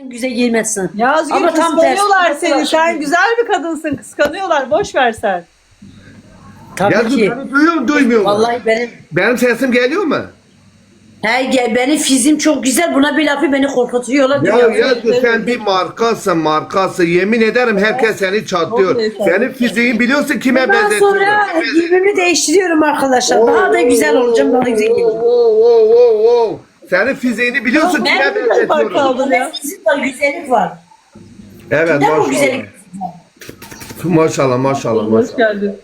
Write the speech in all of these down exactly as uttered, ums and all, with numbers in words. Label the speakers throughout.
Speaker 1: güzel giymezsin.
Speaker 2: Yazgül
Speaker 1: Ama tam tersi.
Speaker 2: kıskanıyorlar seni. Sen güzel bir kadınsın. Kıskanıyorlar. Boş ver sen.
Speaker 1: Tabii
Speaker 3: Yazgül
Speaker 1: ki.
Speaker 3: beni duyuyor mu duymuyor mu?
Speaker 1: Vallahi benim
Speaker 3: Benim sesim geliyor mu?
Speaker 1: he, gel, benim fizim çok güzel. Buna bir lafı beni korkutuyorlar.
Speaker 3: Ya
Speaker 1: diyor.
Speaker 3: Yazgül sen bir markasın markası. Yemin ederim herkes seni çatlıyor.
Speaker 2: Çok iyi.
Speaker 3: Senin fiziğini biliyorsun kime
Speaker 1: Ondan
Speaker 3: benzetiyorum.
Speaker 1: sonra giyimimi değiştiriyorum arkadaşlar. Daha da güzel olacağım. Daha da güzel
Speaker 3: Oo,
Speaker 1: geleceğim.
Speaker 3: oo, oo, oo, oo. Senin fiziğini biliyorsun
Speaker 1: Ben
Speaker 3: kime
Speaker 1: de
Speaker 2: fark
Speaker 3: benzetiyorum.
Speaker 2: aldım ya.
Speaker 1: Bende fizik var, güzellik var.
Speaker 3: Evet
Speaker 1: Neden bu
Speaker 3: maşallah.
Speaker 1: güzellik?
Speaker 3: Maşallah maşallah
Speaker 2: Hoş
Speaker 3: maşallah.
Speaker 2: geldin.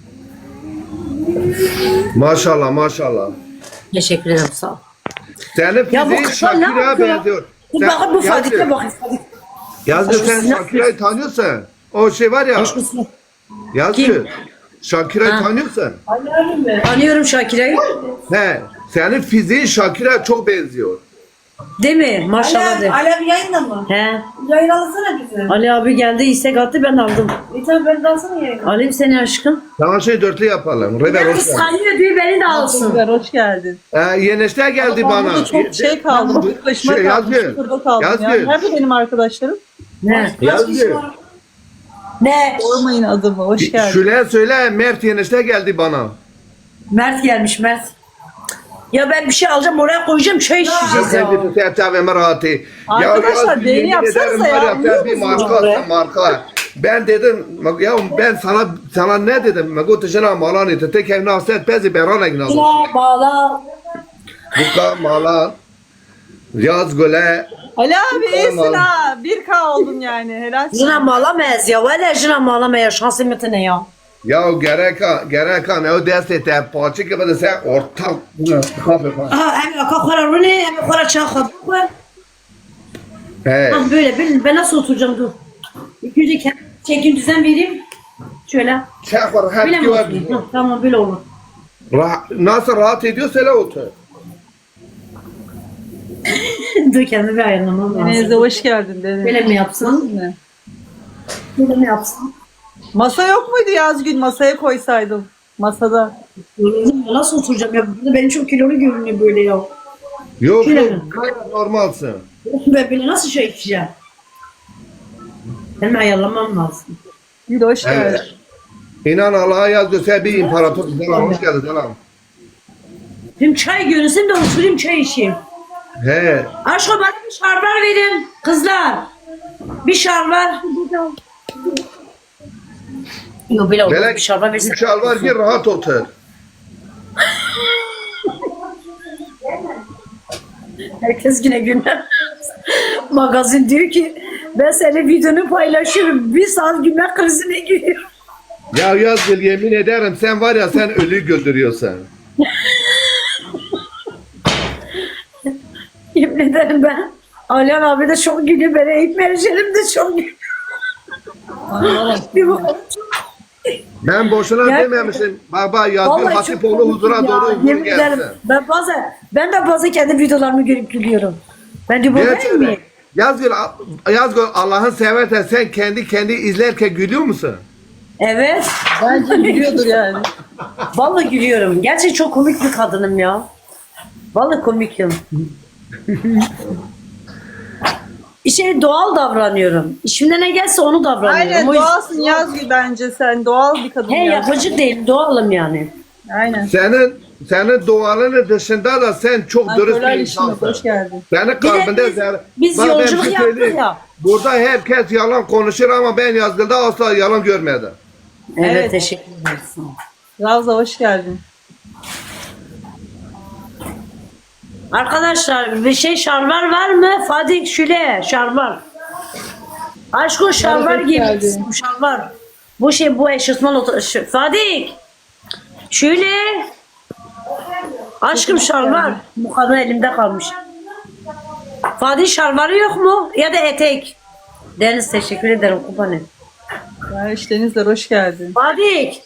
Speaker 3: Maşallah maşallah.
Speaker 1: Teşekkür ederim, sağ ol.
Speaker 3: Senin
Speaker 1: Ya bu
Speaker 3: fiziğin
Speaker 1: kızlar ne
Speaker 3: Şakira'ya
Speaker 1: yapıyor?
Speaker 3: benziyor.
Speaker 1: Bir
Speaker 3: Sen-
Speaker 1: bakın bu
Speaker 3: Yazgül,
Speaker 1: Fadik'e bakın. Fadik.
Speaker 3: Yazgül sen
Speaker 1: Aşkım,
Speaker 3: Şakira'yı tanıyorsun. O şey var ya.
Speaker 1: Aşkım,
Speaker 3: Yazgül.
Speaker 1: Kim?
Speaker 3: Şakira'yı
Speaker 1: Ha.
Speaker 3: tanıyorsun.
Speaker 1: tanıyorum Şakire'yi.
Speaker 3: He. Senin fiziğin Şakira'ya çok benziyor.
Speaker 1: Değil mi? Maşallah de.
Speaker 4: Alev, Alev yayında mı?
Speaker 1: He.
Speaker 4: Yayın alsana bize.
Speaker 1: Ali abi geldi, istek attı, ben aldım.
Speaker 4: E tabi ben de alsana yayını.
Speaker 1: Alayım seni aşkım.
Speaker 3: Tamam şey dörtlü yapalım. Reder
Speaker 1: Ya
Speaker 3: hoş geldin.
Speaker 1: kıskanıyor diyor, beni de alsın.
Speaker 2: Güzel, hoş geldin.
Speaker 3: Ee, yeneşte geldi
Speaker 2: Ben
Speaker 3: bana.
Speaker 2: burada çok şey kaldım. Tek başıma
Speaker 3: Şey,
Speaker 2: kaldım.
Speaker 3: Yazgül,
Speaker 2: Sıfırda kaldım ya.
Speaker 3: Yazgül.
Speaker 2: Nerede benim arkadaşlarım?
Speaker 1: Ne?
Speaker 3: Yazgül.
Speaker 1: Ne?
Speaker 2: Sormayın adımı. Hoş geldin.
Speaker 3: Şule söyle Mert yeneşte geldi bana.
Speaker 1: Mert gelmiş, Mert. Ya ben bir şey alacağım, oraya koyacağım, çay içeceğiz ya.
Speaker 3: Sen bir serçaveme rahatı.
Speaker 2: Arkadaşlar,
Speaker 3: Yazgül,
Speaker 2: beğeni
Speaker 3: yemin
Speaker 2: yapsanıza
Speaker 3: ederim
Speaker 2: ya,
Speaker 3: var sen
Speaker 2: biliyor
Speaker 3: bir
Speaker 2: musunuz
Speaker 3: marka marka. Ben dedim ya ben sana sana ne dedim? Ben gottu jana malan ite tek evine aset pezi berana gnalı.
Speaker 1: Şuna bağla.
Speaker 3: Buka malan. Yazgül'e
Speaker 2: Ali abi iyisin
Speaker 3: Tamam.
Speaker 2: ha. bir K oldun yani. Helal olsun.
Speaker 1: Jına bağlamayız ya, valla jına bağlamaya şansım ne ya.
Speaker 3: ya gereka gereka ne o derse te paçı gibi de sen ortak.
Speaker 1: Aha, hem aka kora rune, hem kora çakha.
Speaker 3: He.
Speaker 1: Ha böyle, ben, ben nasıl oturacağım, dur. İlk önce kendim çekim düzen vereyim. Şöyle.
Speaker 3: Çakır
Speaker 1: Böyle
Speaker 3: hep
Speaker 1: mi
Speaker 3: güven.
Speaker 1: oturayım? Ha, tamam, böyle olur.
Speaker 3: Nasıl rahat ediyor söyle otur.
Speaker 1: Dur, kendimi bir ayarlamam
Speaker 2: Deniz'e
Speaker 1: lazım.
Speaker 2: hoş geldin Deniz.
Speaker 1: Böyle mi yapsam?
Speaker 2: Ne?
Speaker 1: Böyle mi yapsam?
Speaker 2: Masa yok muydu Yazgül? Masaya koysaydım. Masada.
Speaker 1: Nasıl oturacağım ya? Burada benim çok kilolu görünüyor böyle ya.
Speaker 3: Yok
Speaker 1: Şöyle
Speaker 3: yok
Speaker 1: mi?
Speaker 3: gayet normalsın.
Speaker 1: Ben böyle nasıl şey içeceğim? Benim ayarlamam lazım.
Speaker 2: Gül hoş geldin.
Speaker 3: Evet. İnan Allah'a yazıyor sen bir imparator. Selam hoş geldin selam.
Speaker 1: Şimdi çay görünsün de oturayım, çay içeyim.
Speaker 3: He.
Speaker 1: Aşkım bana bir şarbar verin kızlar. Bir şarbar. Yok böyle olmaz,
Speaker 3: Böyle
Speaker 1: bir şarbar versin.
Speaker 3: üç al var ki rahat otur.
Speaker 1: Herkes yine günler. Magazin diyor ki ben senin videonu paylaşıyorum. Bir saat günler krizine giriyor.
Speaker 3: Ya Yazgül yemin ederim sen var ya sen ölü güldürüyorsun.
Speaker 1: Yemin ederim ben. Alihan abi de çok gülüyor. Ben Eyüp Mercan'ım de çok gülüyor. Bir bak-
Speaker 3: Ben boşuna
Speaker 1: Ya-
Speaker 3: dememişim. Baba Yazgül
Speaker 1: Vallahi
Speaker 3: Hatipoğlu
Speaker 1: çok
Speaker 3: huzura
Speaker 1: komik ya.
Speaker 3: doğru huzur
Speaker 1: Yemin ederim.
Speaker 3: gelsin.
Speaker 1: Ben bazen, ben de bazen kendi videolarımı görüp gülüyorum. Ben de bu değil
Speaker 3: Gerçekten.
Speaker 1: mi?
Speaker 3: Yazgül, Yazgül Allah'ın seversen sen kendi kendi izlerken gülüyor musun?
Speaker 1: Evet.
Speaker 2: Bence gülüyordur yani.
Speaker 1: Vallahi gülüyorum. Gerçi çok komik bir kadınım ya. Vallahi komikim. İşte doğal davranıyorum. İşimde ne gelse onu davranıyorum.
Speaker 2: Aynen
Speaker 1: O yüzden-
Speaker 2: doğalsın Yazgül bence sen. Doğal bir kadın
Speaker 1: He,
Speaker 2: ya.
Speaker 1: yapıcı değil, doğalım yani.
Speaker 2: Aynen.
Speaker 3: Senin senin duaların dışında da sen çok dürüst bir
Speaker 2: Ankörler işine
Speaker 3: insansın.
Speaker 2: hoş geldin.
Speaker 3: Senin kalbinde
Speaker 1: biz-
Speaker 3: zer-
Speaker 1: biz
Speaker 3: Bak ben
Speaker 1: yolculuk
Speaker 3: bir şey
Speaker 1: yaptık
Speaker 3: söyleyeyim.
Speaker 1: ya.
Speaker 3: Burada herkes yalan konuşur ama ben Yazgül'de asla yalan görmedim.
Speaker 1: Evet,
Speaker 2: Evet.
Speaker 1: teşekkür ederim.
Speaker 2: Ravza hoş geldin.
Speaker 1: Arkadaşlar bir şey şarvar var mı? Fadik Şule şarvar. Aşkım şarvar
Speaker 2: hoş
Speaker 1: giymiş.
Speaker 2: geldin.
Speaker 1: Bu şarvar. Bu şey bu eşofman otur. şu- Fadik. Şule. Aşkım şarvar. Bu kadın elimde kalmış. Fadik şarvarı yok mu? Ya da etek. Deniz teşekkür ederim kupanı.
Speaker 2: Ya işte Denizler hoş geldin.
Speaker 1: Fadik.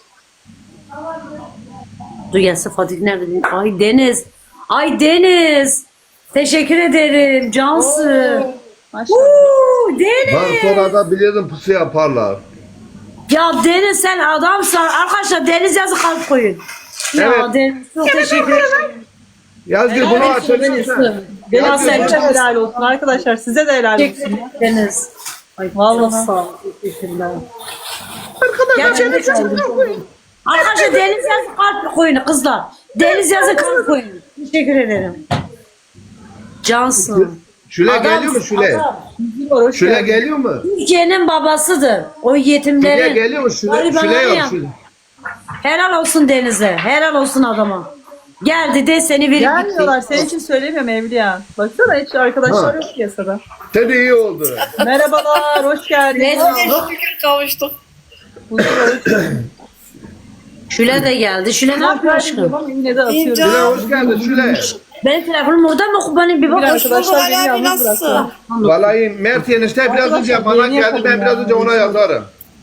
Speaker 1: Dur gelsin Fadik nerede? Ay Deniz. Ay Deniz. Teşekkür ederim. Cansı.
Speaker 2: Maşallah.
Speaker 1: Uuu Deniz.
Speaker 3: Ben sonra da biliyordum pusu yaparlar.
Speaker 1: Ya Deniz sen adamsın. Arkadaşlar Deniz yazı kalp koyun. Ya
Speaker 3: Evet.
Speaker 1: Deniz çok teşekkür ederim.
Speaker 3: Yazgül bunu açabilir misin?
Speaker 2: Benim
Speaker 3: Ya,
Speaker 2: size
Speaker 3: ya.
Speaker 2: helal olsun arkadaşlar. Size de helal olsun.
Speaker 1: Teşekkür ederiz. Ay,
Speaker 2: Vallahi.
Speaker 1: çok sağ olun. Teşekkürler.
Speaker 3: Arkadaşlar
Speaker 1: Gerçekten Arkadaşlar deniz yazı kalp koyun kızlar. Deniz yazı kalp koyun. Teşekkür ederim. Cansın.
Speaker 3: Şule
Speaker 1: Adam-
Speaker 3: geliyor mu Şule?
Speaker 1: adam.
Speaker 2: Hoş
Speaker 3: Şule
Speaker 2: geldin.
Speaker 3: geliyor mu?
Speaker 1: Türkiye'nin babasıdır. O
Speaker 3: Şule
Speaker 1: yetimlerin.
Speaker 3: geliyor mu? Şule,
Speaker 1: garibanların
Speaker 3: Şule yok.
Speaker 1: yan-
Speaker 3: Şule.
Speaker 1: Helal olsun Deniz'e. Helal olsun adama. Geldi de seni verip
Speaker 2: Gelmiyorlar.
Speaker 1: gitti.
Speaker 2: Senin için söylemiyorum Evliya. Baksana hiç arkadaşlar
Speaker 3: Ha.
Speaker 2: yok piyasada.
Speaker 3: Tabii iyi oldu.
Speaker 2: Merhabalar. Hoş geldiniz.
Speaker 4: Şükür kavuştuk.
Speaker 2: Huzur olsun.
Speaker 1: Şule de geldi. Şule ne yapıyor aşkım?
Speaker 2: Ama yine de atıyorum.
Speaker 4: İnce.
Speaker 3: Şule hoş geldin Şule.
Speaker 1: Benim telefonum orada mı? Kubanın bir
Speaker 2: Bir
Speaker 1: bak.
Speaker 2: arkadaşlar beni
Speaker 4: Ali abi
Speaker 2: yalnız
Speaker 4: nasılsın?
Speaker 2: bıraktı.
Speaker 3: Vallahi Mert enişte biraz önce bana
Speaker 2: yeni
Speaker 3: geldi. Ben
Speaker 2: yapalım
Speaker 3: biraz
Speaker 2: ya.
Speaker 3: önce ona yazarım.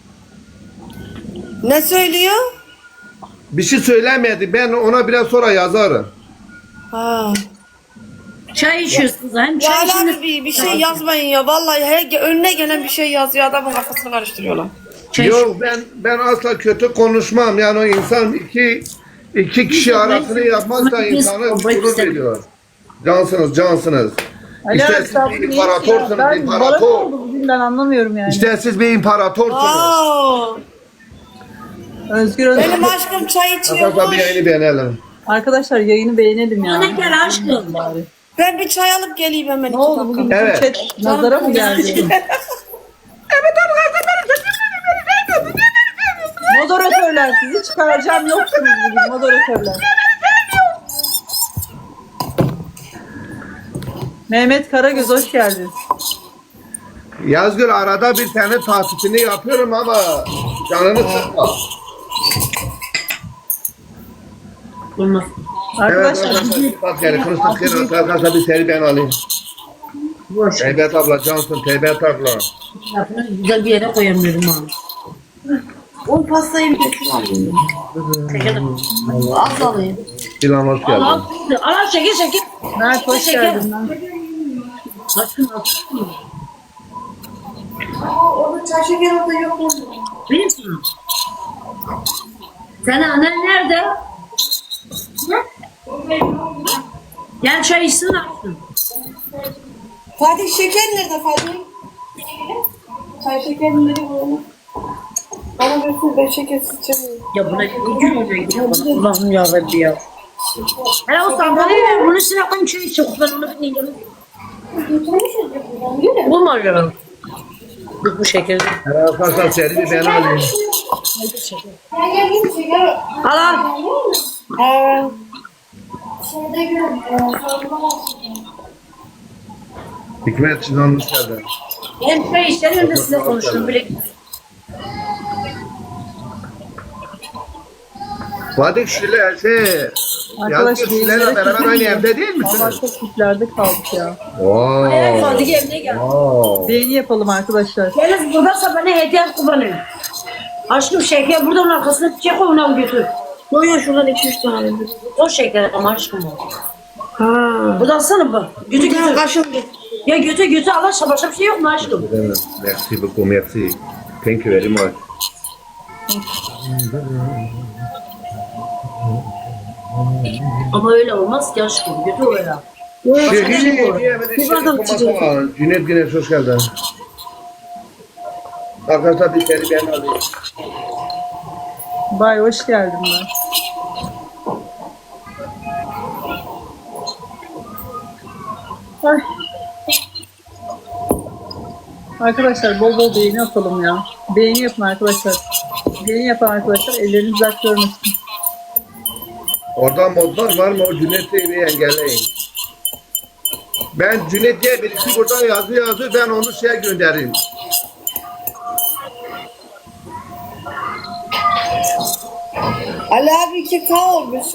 Speaker 4: Ne söylüyor?
Speaker 3: Bir şey söylemedi. Ben ona biraz sonra yazarım.
Speaker 4: Ha.
Speaker 1: Çay içiyorsunuz. Hem
Speaker 4: Ya
Speaker 1: çay
Speaker 4: Ali
Speaker 1: içiniz.
Speaker 4: abi bir, bir şey yazmayın ya. Vallahi her, önüne gelen bir şey yazıyor. Adamın kafasını karıştırıyorlar.
Speaker 1: Çay
Speaker 3: Yok ben ben asla kötü konuşmam. Yani o insan iki iki kişi arasını yapmazsa insanı gurur veriyor. Cansınız, cansınız.
Speaker 2: Ali
Speaker 3: İşte
Speaker 2: abi
Speaker 3: siz
Speaker 2: sen
Speaker 3: bir
Speaker 2: bu ne
Speaker 3: imparatorsunuz,
Speaker 2: ya? Ben bana ne
Speaker 3: imparator.
Speaker 2: oldu bugün ben anlamıyorum yani.
Speaker 3: İşte siz bir imparatorsunuz.
Speaker 4: Aa,
Speaker 2: Özgür Özgür.
Speaker 4: benim aşkım çay
Speaker 3: Arkadaşlar
Speaker 4: içiyormuş.
Speaker 3: bir yayını beğenelim.
Speaker 2: Arkadaşlar yayını beğenelim ya.
Speaker 1: Ne gel aşkım.
Speaker 2: Bari.
Speaker 4: Ben bir çay alıp geleyim hemen.
Speaker 2: Ne oldu bugün bütün
Speaker 3: Evet.
Speaker 2: chat nazara mı geldi? Moderatörler sizi çıkaracağım yoksunuz bugün moderatörler. Mehmet Karagöz hoş geldin.
Speaker 3: Yazgül arada bir tane tatilini yapıyorum ama canını sıkma.
Speaker 1: Olmaz.
Speaker 3: Evet
Speaker 2: Arkadaşlar
Speaker 3: arkadaşlar bak yani konuştuk arkadaşlar bir seri ben alayım.
Speaker 1: Boş.
Speaker 3: Teybet abla cansın Teybet abla.
Speaker 1: Lafını güzel bir yere koyamıyorum abi.
Speaker 4: O pastayı bir götür alayım. Az alayım.
Speaker 3: İlan hoş
Speaker 1: Al al.
Speaker 3: geldin.
Speaker 1: Al çekil çekil.
Speaker 2: Mert hoş
Speaker 1: Şeker.
Speaker 2: geldin lan.
Speaker 1: Aşkım aşkım.
Speaker 4: Orada çay şeker orada yok mu?
Speaker 1: Benim sana. Senin annen nerede? Ne? Gel çay içsin aşkım.
Speaker 4: Fatih şeker nerede Fatih? Çay şekerini nereye koyalım? Bana götür ben şekersiz içemiyorum.
Speaker 1: Ya buna ne gülmüyor gidiyor bana. Allah'ım yarabbim ya. Hele o sandalyeyi ver. Bunun üstüne koyayım çay içecek. Ben onu bilmiyorum. Bulma ya. Dur bu şekilde.
Speaker 3: Evet arkadaşlar seri bir ben alayım.
Speaker 1: Al al.
Speaker 4: Aa,
Speaker 3: Hikmet Çınan hoş geldin.
Speaker 1: Benim çay içlerim önünde size konuştum bile.
Speaker 3: Fatih Şule şey
Speaker 2: Arkadaş,
Speaker 3: Yazgül Şule'yle beraber aynı evde değil
Speaker 2: Valla
Speaker 3: misiniz?
Speaker 2: çok tiplerde kaldık ya.
Speaker 1: Evet
Speaker 3: Wow.
Speaker 1: Fatih evine gel.
Speaker 3: Wow.
Speaker 2: Beğeni yapalım arkadaşlar.
Speaker 1: Yalnız buradaysa bana hediye kullanayım. Aşkım şeker buradan arkasına çek onu al götür.
Speaker 4: Yok ya şuradan iki üç tane.
Speaker 1: O şeker ama aşkım o.
Speaker 4: Ha.
Speaker 1: Buradan sana bak. Götür
Speaker 4: Bir tane
Speaker 1: götür.
Speaker 4: kaşım git.
Speaker 1: Ya götür götür Allah aşkına başka bir şey yok mu aşkım?
Speaker 3: Merci beaucoup, merci. Thank you very much.
Speaker 1: Ama öyle olmaz ki aşkım. Götür öyle.
Speaker 3: Sevgili bir bardak içecek. Cüneyt Güneş hoş geldin. Arkadaşlar bir seri ben alayım.
Speaker 2: Bay hoş geldin ben. Ay. Arkadaşlar bol bol beğeni atalım ya. Beğeni yapın arkadaşlar. Beğeni yapan arkadaşlar elleriniz dert görmesin.
Speaker 3: Orada modlar var mı? O Cüneyt Bey'i engelleyin. Ben Cüneyt diye birisi burada yazı yazı ben onu şeye göndereyim.
Speaker 4: Ali abi iki K olmuş.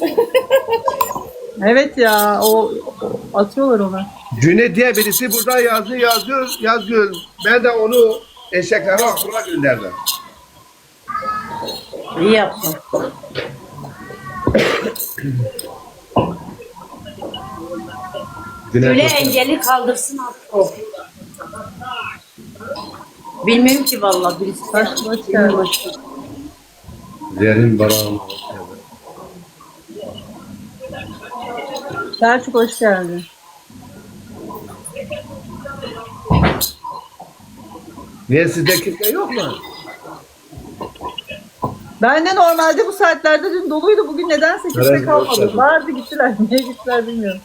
Speaker 2: Evet ya o, o atıyorlar ona.
Speaker 3: Cüneyt diye birisi burada yazı yazıyor, yazıyor. Ben de onu eşeklere aklına gönderdim.
Speaker 1: İyi yaptın.
Speaker 3: Cüneyt
Speaker 1: Öyle
Speaker 3: hoş geldin.
Speaker 1: engeli kaldırsın artık o. Bilmiyorum ki vallahi birisi.
Speaker 2: Hoş, hoş geldin.
Speaker 3: Zerrin Baran hoş geldin.
Speaker 2: Selçuk hoş geldin.
Speaker 3: Niye sizde kimse yok mu?
Speaker 2: Ben de normalde bu saatlerde dün doluydu. Bugün nedense kimse
Speaker 3: Evet,
Speaker 2: kalmadı.
Speaker 3: evet.
Speaker 2: Vardı gittiler. Niye gittiler bilmiyorum.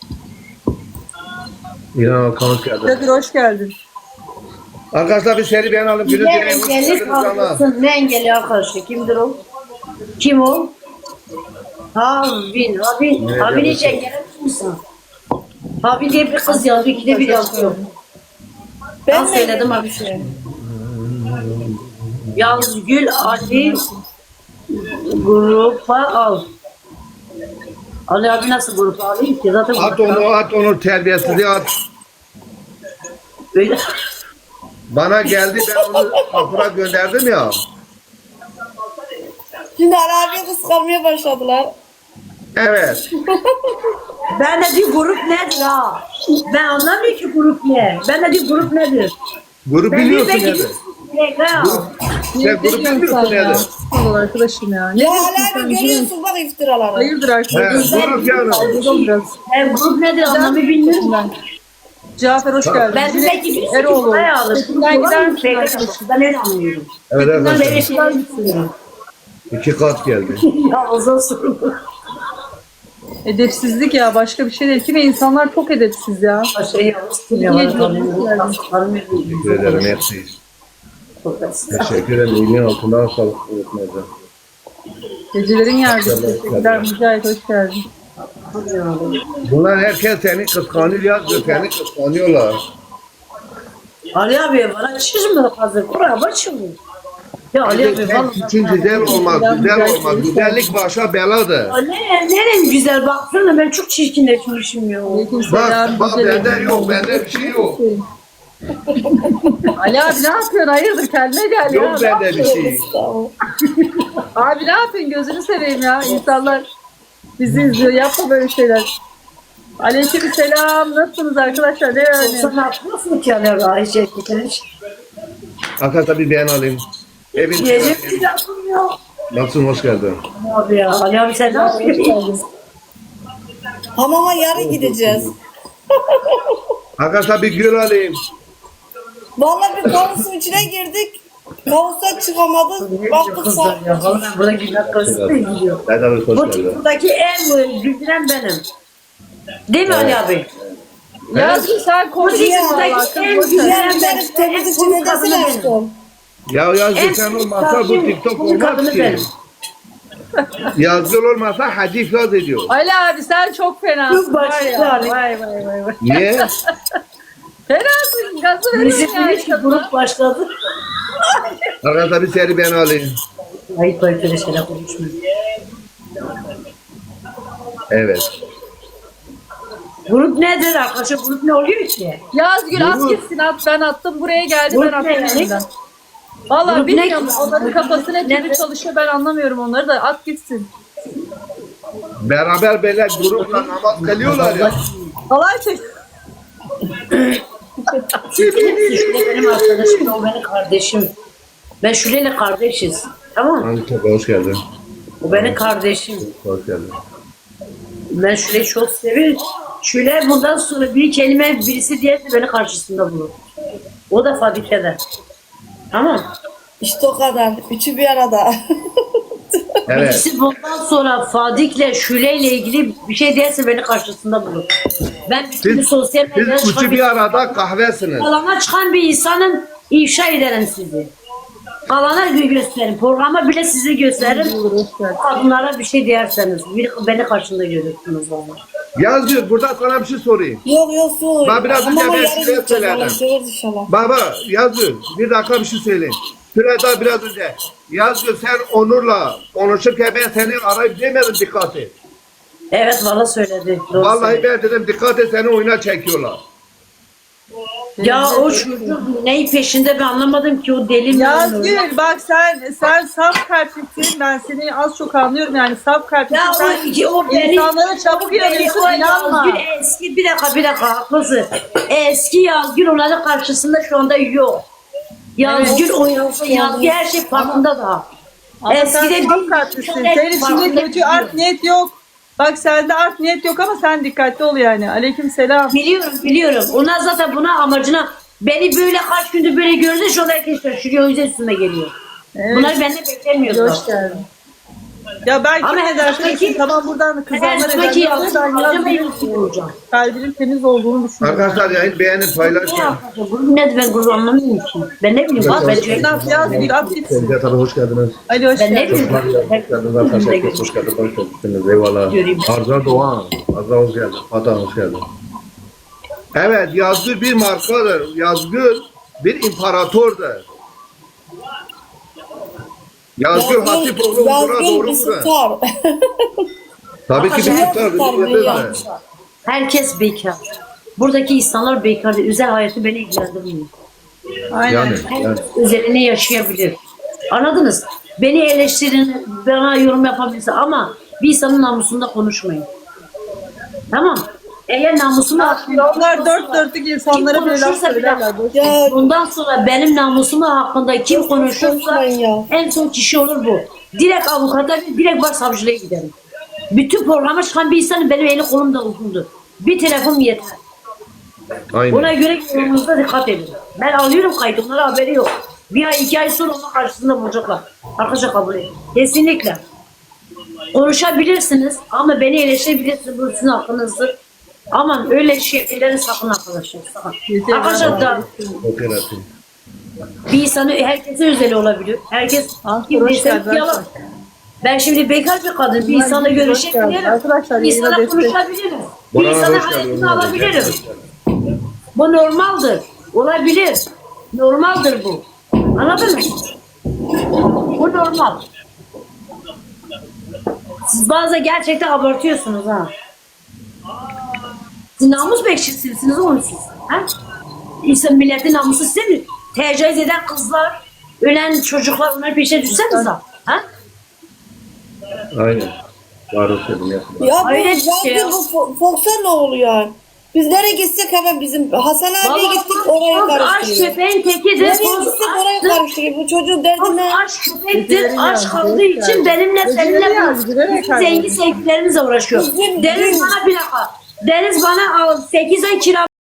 Speaker 3: İnan Hakan hoş geldin.
Speaker 2: Kadir hoş geldin.
Speaker 3: Arkadaşlar bir seri beğen alıp gülü
Speaker 1: Ne
Speaker 3: dileyin. Hoş
Speaker 1: engelli
Speaker 3: geldiniz canlar.
Speaker 1: kaldırsın. Ne engelli arkadaşı? Kimdir o? Kim o? Havin. Havin.
Speaker 3: Ne
Speaker 1: Havin hiç
Speaker 3: diyorsun?
Speaker 1: engelli misin? Havin diye bir kız yazdı. İkide bir yazıyor. Ben
Speaker 4: Ben
Speaker 1: söyledim abi şey. Yazgül Ali grupa al. Ali abi nasıl grupa alayım ki? Zaten
Speaker 3: At onu, at onu terbiyesizliği at.
Speaker 1: Böyle.
Speaker 3: Bana geldi ben onu kapıra gönderdim ya.
Speaker 4: Şimdi Ali abiyi kıskanmaya başladılar.
Speaker 3: Evet.
Speaker 1: Ben de bir grup nedir ha? Ben anlamıyorum ki grup ne. Ben de bir grup nedir?
Speaker 3: Grup
Speaker 1: Ben bir
Speaker 3: biliyorsun
Speaker 1: belki
Speaker 3: yani.
Speaker 1: bir ha.
Speaker 3: Sen grup bilmiyorsun yani.
Speaker 2: Allah arkadaşım ya. Ne
Speaker 4: Ya
Speaker 2: diyorsun
Speaker 4: Ali
Speaker 2: sen?
Speaker 4: abi görüyorsun bak iftiraları.
Speaker 2: Hayırdır
Speaker 3: He,
Speaker 2: arkadaşım?
Speaker 3: grup yani.
Speaker 2: Pardon biraz.
Speaker 1: Ben grup nedir anlamı bilmiyorum.
Speaker 2: Ben. Cafer hoş geldin.
Speaker 1: Ben de belki bir
Speaker 2: Eroğlu.
Speaker 1: buraya alır.
Speaker 2: Seçimden gider misin
Speaker 1: Ben
Speaker 2: arkadaşım?
Speaker 1: Ben öyle anlıyorum.
Speaker 3: Evet
Speaker 1: Ben
Speaker 3: arkadaşlar.
Speaker 1: böyle şeyler düşünüyorum.
Speaker 3: İki kat geldi.
Speaker 1: Ya o zaman sorun.
Speaker 2: Edepsizlik ya başka bir şey değil. Kime insanlar çok edepsiz ya.
Speaker 1: Şey yapmıştım ya.
Speaker 2: Niye
Speaker 1: bana
Speaker 2: diyorsun
Speaker 1: tanıyorum.
Speaker 2: yani?
Speaker 1: Tanımıyorum.
Speaker 3: Teşekkür ederim hepsi. Teşekkür ederim. İlmin altından sağlık unutmayacağım.
Speaker 2: Gecelerin yargısı. Teşekkürler Mücahit hoş geldin.
Speaker 3: Bunlar herkes seni kıskanıyor yazıyor. Seni kıskanıyorlar.
Speaker 1: Ali abi bana çizme hazır. Kur'a başım. Ya Ali abi
Speaker 3: Sen
Speaker 1: vallahi.
Speaker 3: için güzel olmaz, güzel olmaz. Güzellik başa beladır.
Speaker 1: Ya Ne, nerem güzel baksana ben çok çirkinleşmişim ya.
Speaker 2: Aleykümselam.
Speaker 3: Bak, bak
Speaker 2: Güzelim.
Speaker 3: bende yok, bende bir şey yok.
Speaker 2: Ali abi ne yapıyorsun? Hayırdır kendine gel ya.
Speaker 3: Yok bende bir şey.
Speaker 2: Abi ne yapıyorsun? Gözünü seveyim ya. İnsanlar bizi izliyor. Yapma böyle şeyler. Aleykümselam. Nasılsınız arkadaşlar? Ne
Speaker 1: Sen
Speaker 2: öğreniyorsun?
Speaker 1: ne yapıyorsun ki Ali abi? Ay şey gitmiş.
Speaker 3: Arkadaşlar bir beğen alayım. Evin
Speaker 1: Gece bir yapım yok.
Speaker 3: Nasılsın, hoş geldin.
Speaker 1: Abi ya Ali abi sen ne yapıyorsun?
Speaker 4: Hamama yarın gideceğiz.
Speaker 3: Arkadaşlar bir gül alayım.
Speaker 4: Vallahi bir kavusun içine girdik. Kavustan çıkamadık. Baktık
Speaker 1: Kızlar ya.
Speaker 4: sa-
Speaker 1: Vallahi burada günler karısı da gidiyor.
Speaker 3: Hadi abi hoş
Speaker 1: Bu
Speaker 3: geldin.
Speaker 1: buradaki en güldüren benim. Değil mi Ali abi?
Speaker 2: Yazgın sen
Speaker 1: Bu
Speaker 2: konuşuyorsun
Speaker 1: buradaki
Speaker 2: valla.
Speaker 1: en
Speaker 2: Kız boş ver.
Speaker 1: güldüren
Speaker 4: Yarın
Speaker 1: benim.
Speaker 4: benim temizlikçi
Speaker 1: En
Speaker 4: ne
Speaker 1: cool kadını
Speaker 4: desene
Speaker 1: benim.
Speaker 4: aşkım.
Speaker 3: Ya yazgı
Speaker 1: En
Speaker 3: sen
Speaker 1: cool
Speaker 3: olmasa bu
Speaker 1: kadını-
Speaker 3: TikTok
Speaker 1: cool
Speaker 3: olmaz
Speaker 1: kadını
Speaker 3: ki.
Speaker 1: benim.
Speaker 3: Yazgı olmasa hadis yaz ediyor.
Speaker 2: Ali abi sen çok fenasın.
Speaker 1: Çok
Speaker 2: Var
Speaker 1: başka
Speaker 2: ya.
Speaker 1: Ali.
Speaker 2: Vay vay vay vay.
Speaker 3: Niye?
Speaker 2: Fenasın. Gazı
Speaker 1: Bizim
Speaker 2: veriyorsun
Speaker 1: bir
Speaker 2: yani.
Speaker 1: grup başladı.
Speaker 3: Arkadaşlar bir seri beğen alayım.
Speaker 1: Ayıp ayıp öyle şeyler konuşmuyor.
Speaker 3: Evet.
Speaker 1: Grup nedir arkadaşlar? Grup ne oluyor ki?
Speaker 2: Yazgül at
Speaker 3: Grup.
Speaker 2: gitsin at ben attım buraya geldi
Speaker 1: Grup
Speaker 2: ben attım
Speaker 1: ne yani?
Speaker 2: elinden. Valla
Speaker 1: Grup ne
Speaker 2: bilmiyorum
Speaker 1: ki?
Speaker 2: onların kafası ne türlü
Speaker 1: Ne?
Speaker 2: çalışıyor ben anlamıyorum onları da at gitsin.
Speaker 3: Beraber böyle grupla namaz kılıyorlar ya.
Speaker 2: Halay çek.
Speaker 1: Şule benim arkadaşım, o benim kardeşim. Ben Şule'yle kardeşiz. Tamam mı?
Speaker 3: Hangi topa hoş geldin.
Speaker 1: O benim kardeşim.
Speaker 3: Hoş geldin.
Speaker 1: Ben Şule'yi çok seviyorum. Şule bundan sonra bir kelime birisi diyerse beni karşısında bulur. O da fabrikada. Tamam.
Speaker 4: İşte o kadar. Üçü bir arada.
Speaker 3: Evet.
Speaker 1: Birisi bundan sonra Fadik'le Şule'yle ilgili bir şey derse beni karşısında bulur. Ben bütün
Speaker 3: Siz,
Speaker 1: sosyal medyada
Speaker 3: siz
Speaker 1: çıkan
Speaker 3: üçü
Speaker 1: bir,
Speaker 3: bir arada kahvesiniz.
Speaker 1: alana çıkan bir insanın ifşa ederim sizi. Alana gö- gösterin. Programa bile sizi gösteririm.
Speaker 2: Olur hoş geldin.
Speaker 1: Kadınlara bir şey derseniz bir, beni karşında görürsünüz valla.
Speaker 3: Yazgül burada sana bir şey sorayım.
Speaker 4: Yok yok su.
Speaker 3: Ben biraz önce
Speaker 4: Hamama
Speaker 3: ben
Speaker 4: yarın
Speaker 3: size
Speaker 4: gideceğiz.
Speaker 3: söyledim.
Speaker 4: Anlaşılır inşallah.
Speaker 3: Baba Yazgül bir dakika bir şey söyleyeyim. Şurada biraz önce. Yazgül sen Onur'la konuşurken ben seni arayıp demedim dikkat et.
Speaker 1: Evet valla söyledi. Doğru
Speaker 3: Vallahi
Speaker 1: söyledi.
Speaker 3: ben dedim dikkat et seni oyuna çekiyorlar.
Speaker 1: Ya o çocuk neyi peşinde ben anlamadım ki o deli mi?
Speaker 2: Yazgül bak sen sen saf kalplisin ben seni az çok anlıyorum yani saf kalplisin.
Speaker 1: Ya
Speaker 2: Sen
Speaker 1: o, o beni...
Speaker 2: insanlara çabuk inanıyorsun
Speaker 1: o
Speaker 2: inanma.
Speaker 1: Yazgül eski bir dakika bir dakika haklısın. Eski Yazgül onların karşısında şu anda yok. Yazgül
Speaker 2: Evet.
Speaker 1: o Yazgül, Yazgül her şey farkında da.
Speaker 2: Ama
Speaker 1: Eskide
Speaker 2: sen saf
Speaker 1: bir-
Speaker 2: kalplisin.
Speaker 1: bir-
Speaker 2: Senin içinde
Speaker 1: farkında
Speaker 2: kötü
Speaker 1: değil.
Speaker 2: art niyet yok. Bak sende art niyet yok ama sen dikkatli ol yani. Aleyküm selam.
Speaker 1: Biliyorum biliyorum. Onlar zaten buna amacına Beni böyle kaç gündür böyle gördü. Şu an herkes şaşırıyor. O yüzden üstüme geliyor.
Speaker 2: Evet.
Speaker 1: Bunları benden beklemiyordu.
Speaker 2: Hoş geldin. Ya belki
Speaker 1: Ama
Speaker 2: ne
Speaker 1: her
Speaker 2: dersin?
Speaker 1: zamanki-
Speaker 2: Tamam buradan
Speaker 1: Her
Speaker 2: kızanlar
Speaker 1: zamanki
Speaker 2: eder.
Speaker 1: yalnız
Speaker 2: Ben
Speaker 1: kalacağım. Ben
Speaker 2: yalnız
Speaker 1: yalnız olacağım.
Speaker 2: kalbinin temiz olduğunu düşünüyorum.
Speaker 3: Arkadaşlar yayın beğenin
Speaker 1: Ne
Speaker 3: paylaşın.
Speaker 1: yapacağım? Bunu ne ben gurur anlamıyorum ki. Ben ne bileyim.
Speaker 2: At
Speaker 1: Ben,
Speaker 2: gitsin at yaz bir at gitsin.
Speaker 3: Sevgili Hanım hoş geldiniz.
Speaker 2: Ali hoş
Speaker 1: ben ne
Speaker 2: geldin.
Speaker 1: bileyim.
Speaker 3: Hoş geldiniz arkadaşlar. Herkes hoş geldiniz. Hoş geldiniz. Eyvallah.
Speaker 1: Göreyim.
Speaker 3: Arza Doğan. Arza hoş geldin. Fatih hoş geldin. Evet Yazgül bir markadır. Yazgül bir imparatordur. Yazgül Hatipoğlu buna
Speaker 4: Yazgül
Speaker 3: doğru
Speaker 4: bir
Speaker 3: mu?
Speaker 4: star.
Speaker 3: Tabii ki bir
Speaker 1: Arkadaşlar,
Speaker 3: tutar.
Speaker 4: tutar,
Speaker 3: Bir
Speaker 4: bir
Speaker 3: yerde
Speaker 4: yan.
Speaker 3: de.
Speaker 1: Herkes bekar. Buradaki insanlar bekar. Özel hayatı beni ilgilendirmiyor.
Speaker 2: Aynen.
Speaker 3: Yani, yani.
Speaker 1: Herkes özelini yaşayabilir. Anladınız? Beni eleştirin, bana yorum yapabilirsin ama bir insanın namusunda konuşmayın. Tamam. Eğer namusunu
Speaker 2: Onlar dört dörtlük insanlara böyle laf
Speaker 1: konuşursa bir
Speaker 2: söylerler. Boş ver.
Speaker 4: Ya
Speaker 1: bundan sonra benim namusum hakkında kim konuşursa
Speaker 4: konuşmayın ya.
Speaker 1: en son kişi olur bu. Direkt avukata, direkt başsavcılığa giderim. Bütün programa çıkan bir insanın benim eli kolum da uzundur. Bir telefon yeter.
Speaker 3: Aynen.
Speaker 1: Ona göre yorumunuzda dikkat edin. Ben alıyorum kaydı, onlara haberi yok. Bir ay, iki ay sonra onun karşısında bulacaklar. Arkadaşlar kabul edin. Kesinlikle. Konuşabilirsiniz ama beni eleştirebilirsiniz. Bu sizin hakkınızdır. Aman öyle şeyleri sakın arkadaşlar. Sakın.
Speaker 2: Yeter.
Speaker 1: Arkadaşlar da
Speaker 3: Okey, atayım.
Speaker 1: bir insanı herkesin özeli olabilir. Herkes
Speaker 2: Ah,
Speaker 1: kim
Speaker 2: hoş
Speaker 1: bilse
Speaker 2: geldin
Speaker 1: yalan.
Speaker 2: arkadaşlar.
Speaker 1: Ben şimdi bekar bir kadın. Bir
Speaker 2: Bunlar
Speaker 1: insanla
Speaker 2: hoş geldin.
Speaker 1: görüşebilirim.
Speaker 2: Arkadaşlar,
Speaker 1: Bir insana
Speaker 2: yayına destek.
Speaker 1: konuşabilirim. Bir
Speaker 3: Bana
Speaker 1: insana
Speaker 3: hoş geldin.
Speaker 1: hayatını alabilirim. Bu normaldir. Olabilir. Normaldir bu. Anladın mı? Bu normal. Siz bazen gerçekten abartıyorsunuz ha. Siz namus bekçisiniz oğlum siz. Ha? İnsan milletin namusu size mi? Tecavüz eden kızlar, ölen çocuklar onların peşine düşseniz ha? Ha?
Speaker 3: Aynen. Doğru söyledim. yapma.
Speaker 4: Ya bu
Speaker 1: Öyle bir şey
Speaker 4: Yazgül
Speaker 1: ya.
Speaker 4: bu Fo- Fox'a ne oluyor? Biz nereye gitsek hemen bizim Hasan abiye
Speaker 1: Vallahi
Speaker 4: gittik oraya
Speaker 1: Fox aşk
Speaker 4: karıştırıyor.
Speaker 1: köpeğin tekidir.
Speaker 4: Nereye
Speaker 1: Fox
Speaker 4: gitsek oraya
Speaker 1: aşktır.
Speaker 4: karıştırıyor. Bu çocuğun derdi
Speaker 1: Fox
Speaker 4: ne?
Speaker 1: aşk köpektir.
Speaker 2: Geceleri
Speaker 1: Aşk
Speaker 2: yazdı,
Speaker 1: kaldığı
Speaker 2: hoş
Speaker 1: için
Speaker 2: geldin.
Speaker 1: benimle
Speaker 2: Geceleri
Speaker 1: seninle
Speaker 2: yazdı, bilerek
Speaker 1: bu zengin sevgililerimizle uğraşıyor.
Speaker 4: Bizim-
Speaker 1: Deniz bana bir dakika. Deniz bana sekiz ay kira